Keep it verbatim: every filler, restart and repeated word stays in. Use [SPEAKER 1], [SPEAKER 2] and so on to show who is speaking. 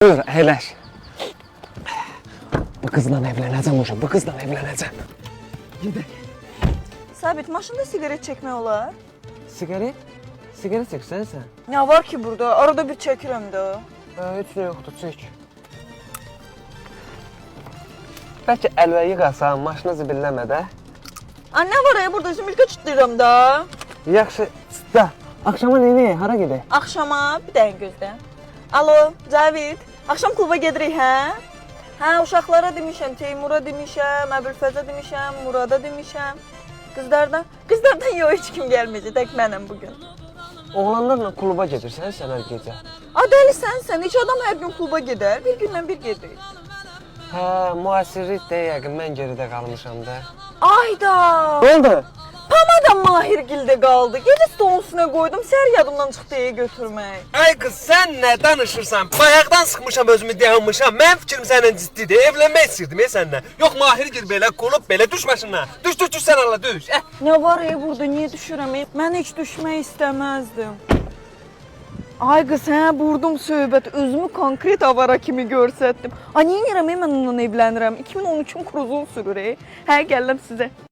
[SPEAKER 1] Dur, əyləş. Bu qızla evlənəcəm uşaq, bu qızla evlənəcəm. Gedək.
[SPEAKER 2] Sabit, maşında sigaret çəkmək olar?
[SPEAKER 1] Sigaret? Sigaret çəksən sən?
[SPEAKER 2] Nə var ki burada? Arada bir çəkirəm də.
[SPEAKER 1] Hə, heç nə yoxdur, çək. Bəlkə əlvə yığasan, maşını zibilləmədə.
[SPEAKER 2] Aa, nə var ya burada? Zümrütə çıtlayıram da.
[SPEAKER 1] Yaxşı, da. Axşama neynəyək, hara gedək?
[SPEAKER 2] Axşama bir dəqiqə gözlə. Alo, Cavid. Axşam kluba gedirik, hə? Hə, uşaqlara demişəm, Teymura demişəm, Əbülfəzə demişəm, Murada demişəm. Qızlardan, qızlardan yox, heç kim gəlməyəcək, tək mənəm bugün.
[SPEAKER 1] Oğlanlarla kluba gedirsən sən hər gecə?
[SPEAKER 2] A, dəlisən sən, heç adam hər gün kluba gedər, bir gündən bir gedir.
[SPEAKER 1] Hə, müasirlik də yəqin, mən geridə qalmışam da.
[SPEAKER 2] Ayda!
[SPEAKER 1] Nə oldu?
[SPEAKER 2] Pamada Mahirgildə qaldı. Gecə stolun üstünə qoydum, səhər yadımdan çıxdı deyə götürmək.
[SPEAKER 3] Ay qız, sən nə danışırsan? Bayaqdan sıxmışam özümü, dayanmışam. Mənim fikrim səndən ciddidir. Evlənmək istəyirdim ya səndən. Yox, Mahirgil belə qolub belə düş maşından. Düş, düş, düş sən Allah, düş. Eh.
[SPEAKER 2] Nə var ya burada, niyə düşürəm? Mən heç düşmək istəməzdim. Ay qız, hə, vurdum söhbət, özümü konkret avara kimi görsətdim. Ay, niyə yerəm, mən onunla evlənirəm? iki min on üçün kruzun sürür, hə, gəlirəm sizə.